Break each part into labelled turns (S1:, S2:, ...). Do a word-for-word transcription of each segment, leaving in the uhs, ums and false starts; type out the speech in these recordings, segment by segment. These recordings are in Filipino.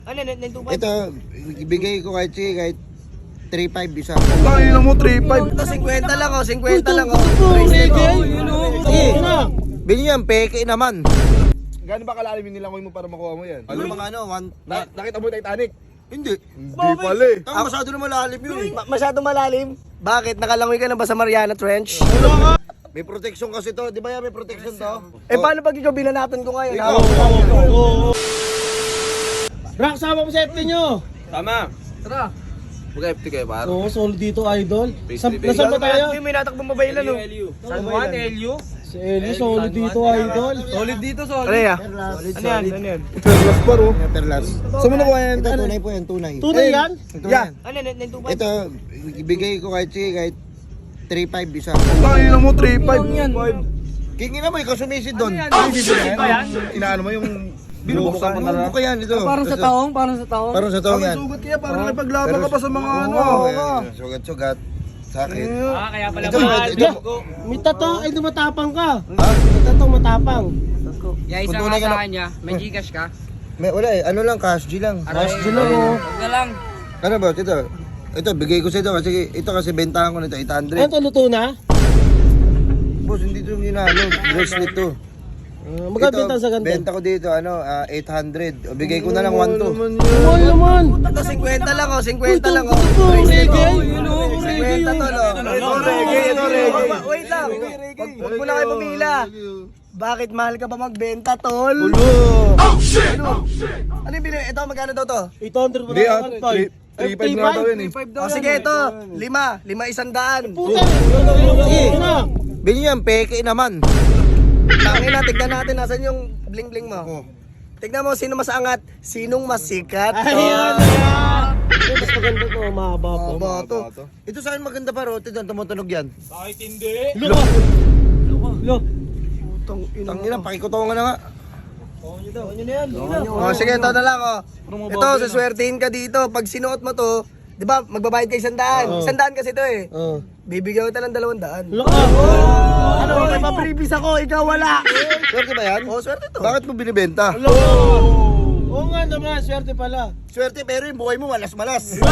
S1: Ano, nine two five?
S2: Ito, ibigay ko kahit sige, kahit three five isa.
S3: Kaya mo three five.
S1: Ito, fifty lang oh, fifty lang oh.
S2: Sige, bilhin yan, peke naman.
S3: Gano'n ba kalalim yung nilangoy mo para makuha mo yan?
S2: Ano mga ano, one...
S3: Na, nakita mo yung Titanic?
S2: Hindi.
S3: Hindi pala eh.
S2: Tama, masyado na malalim yun eh.
S1: Ma- masyadong malalim? Bakit? Nakalangoy ka na ba sa Mariana Trench?
S2: May protection kasi to, di ba yan may protection to?
S1: Eh paano pag ikaw binanatan ko ngayon? ha?
S4: Rock, sama mo sa F T nyo.
S3: Tama.
S1: Tara.
S3: Mag-F T kayo par.
S4: Oo, solid dito, idol.
S3: Face
S4: Sa,
S3: to face.
S4: nasaan ba tayo?
S1: Hindi may natakbong babae lang oh.
S3: San Juan, L U.
S4: Si Elio, solid dito, idol.
S3: Solid dito, solid.
S1: Ano yan?
S2: Solid,
S1: Ano yan? Ano yan?
S3: Perlas par oh.
S2: Perlas.
S3: Saan mo nakuha yan?
S2: Ito, tunay po yan, tunay.
S4: Tunay yan?
S2: Ito
S3: Yeah.
S2: yan.
S1: Ano, nine two five?
S2: Ito, ibigay ko kahit sige, kahit three five isa.
S3: Kaya mo three five.
S2: Kingin na mo, ikaw sumisid doon.
S3: Inaano mo yung binubuksan mo na lang.
S2: Ano yan ito?
S1: Parang sa taong, parang sa taong.
S2: Parang sa taong yan.
S3: Sugat kaya parang napaglaban ka pa sa mga ano.
S2: Oo, yan. Sugat-sugat. Sa akin.
S1: Ah, kaya pala
S2: Ito, ito, ito.
S4: May tato, ay di matapang ka.
S2: Ha?
S4: May tato, matapang.
S1: Yeah,
S2: Kung
S1: isa
S2: tunay
S1: ka
S2: ka
S1: sa
S2: na-
S1: kanya. May Gcash ka?
S2: May, wala eh, ano lang, cash G lang.
S1: Cash
S4: G lang, oh.
S1: Huwag na lang.
S2: Ano ba, ito? Ito, bigay ko sa ito kasi ito kasi bentahan ko nito, eight hundred.
S4: Ano to, luto na?
S2: Boss, hindi ito yung ginalo, bracelet to.
S4: Uh, Magkabenta
S2: Ito,
S4: sa ganito.
S2: benta ko dito, ano, ah, eight hundred. O, bigay ko na lang one to.
S4: Mahal naman.
S1: Ito, fifty lang oh, fifty
S4: Ito,
S1: lang oh.
S4: ito, reggae. Yun o,
S1: fifty to lo.
S3: Ito reggae, ito reggae.
S1: Wait lang. Wag wag mo na kayo pumila. Bakit mahal ka ba magbenta, tol?
S3: Ulo.
S1: Ano? Ano yung binili? Ito, magkano daw to?
S4: eight hundred mo
S3: Hindi ah,
S4: na.
S3: three five na daw yun eh.
S1: O sige, ito. Lima. Lima isang daan.
S4: Puta. Sige na.
S2: Bilhin yan, peke naman.
S1: Tangin na, tignan natin nasan yung bling-bling mo.
S2: Oh.
S1: Tignan mo, sino mas angat? Sinong mas sikat?
S4: Ayan, ayan. Ito, mas maganda to, mahaba po.
S1: Ba to?
S2: Ito sa akin maganda pa, rote doon, tumutunog yan.
S4: Lo. Lo.
S1: Putang ina.
S2: Tangina, pakikutongan na nga.
S1: O sige, ito na lang oh. Ito, saswertihin ka dito. Pag sinuot mo to, di ba, magbabayad ka isang daan. Isang daan kasi to eh.
S4: Oh.
S1: Bibigyan kita ng dalawang daan.
S4: Lo.
S1: Ano, may pa-previous ako, ikaw wala.
S2: Swerte ba yan?
S1: O, swerte to.
S2: Bakit mo binibenta?
S4: Lo. Oo nga naman, swerte pala.
S2: Swerte pero yung buhay mo malas-malas.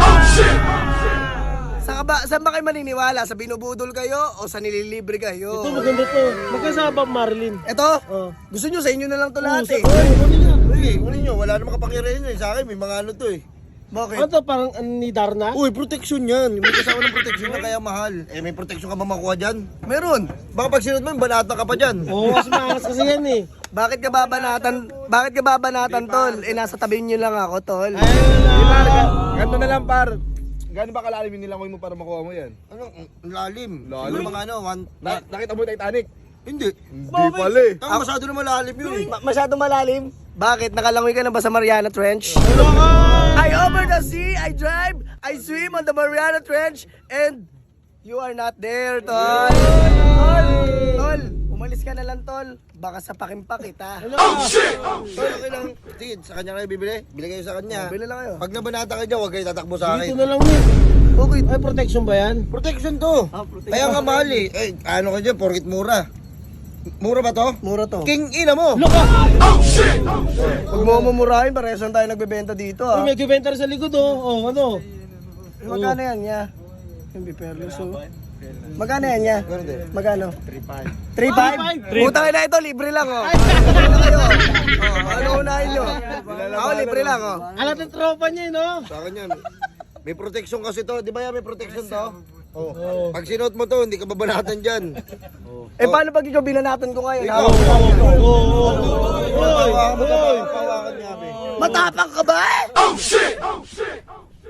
S1: Saan ka ba, saan ba kayo maniniwala? Sa binubudol kayo o sa nililibre
S4: Ito
S1: kayo?
S4: maganda to. Magkasama Marilyn.
S1: Ito,
S4: Oh.
S1: gusto nyo sa inyo na lang to lahat eh.
S4: Oy, ano niya?
S2: Uy, ano nyo, wala namang kapangyarihan yun. Sa akin, may mga ano to eh.
S1: Bakit?
S4: Ano to, parang ano ni Darna?
S2: Uy, protection yan. May kasama ng protection na kaya mahal. Eh, may protection ka ba makuha dyan?
S1: Meron.
S2: Baka pag sinunod mo, banata ka pa dyan.
S4: Oo, mas maangas kasi yan eh.
S1: Bakit ka babanatan? Bakit ka babanatan, tol? Eh, nasa tabi nyo lang ako, tol.
S3: Di par, ga- ganito na lang par. Gano'n ba kalalim yung nilangoy mo para makuha mo yan?
S2: Ano, ang lalim.
S3: Lalim?
S2: Yung mga ano, one...
S3: Na, nakita mo yung Titanic?
S2: Hindi.
S3: Hindi pala eh.
S2: Tama, masyado na malalim yun eh.
S1: Ma- masyadong malalim? Bakit? Nakalangoy ka na ba sa Mariana Trench? I over the sea, I drive, I swim on the Mariana Trench, and you are not there, tol. Tol, tol, umalis ka na lang, tol. Baka sapakin pa kita.
S2: Tol, okay lang. Sige, sa kanya kayo bibili. Bili kayo sa kanya.
S1: Bili lang kayo.
S2: Pag nabanata kayo dyan, huwag kayo tatakbo sa
S4: Dito
S2: akin.
S4: na lang eh.
S1: Bakit?
S4: Ay, protection ba yan?
S2: Protection to.
S1: Ah, protection.
S2: Kaya nga mahal eh. Eh, ano ka dyan, porkit mura. Mura ba to?
S1: Mura to.
S2: King ina mo.
S4: Lo ka!
S1: Huwag mo mumurahin, parehas lang tayo nagbebenta dito,
S4: Uy,
S1: ah.
S4: may gubenta rin sa likod oh. Oh, ano?
S1: Magkano yan, niya? Yung biperlos, oh. Magkano yan, niya? Magkano? three five. three five? Putang ina ito, libre lang, oh. Libre lang kayo. Oh, ano unahin nyo? Ako, libre lang, oh.
S4: Alat ng tropa niya eh, no?
S2: Sa akin yan. May protection kasi to. Di ba yan may protection to? Oh. Pag sinuot mo to, hindi ka babanatan dyan.
S1: Eh, paano pag ikaw binanatan ko ngayon, ha?
S4: Oo, oo, oo.
S2: Hawakan mo to, hawakan niya, be.
S1: Matapang ka ba? Oh, shit! Oh, shit!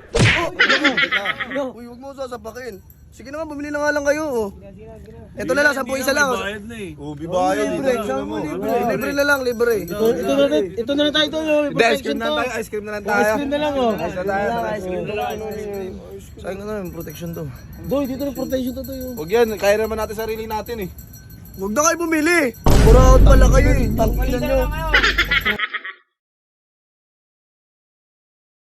S1: Uy, huwag mo sasapakin. Sige naman, bumili na nga lang kayo, oh. Ito na lang, sampu isa lang. oh.
S2: Ubi ba yan?
S1: Libre, saan mo libre? Libre na lang, libre.
S4: Ito, ito na rin, ito na rin tayo doon. Oh.
S3: Hindi, ice cream na lang tayo. Ice cream na lang tayo.
S4: Ice cream na lang oh.
S3: Ice na tayo.
S2: Saan ka na, may protection to.
S4: Doy, dito na protection to to yun.
S3: Huwag yan, kaya naman natin sarili natin eh.
S1: Huwag na kayo bumili. Buraot pala kayo, eh. Tangkilan nyo.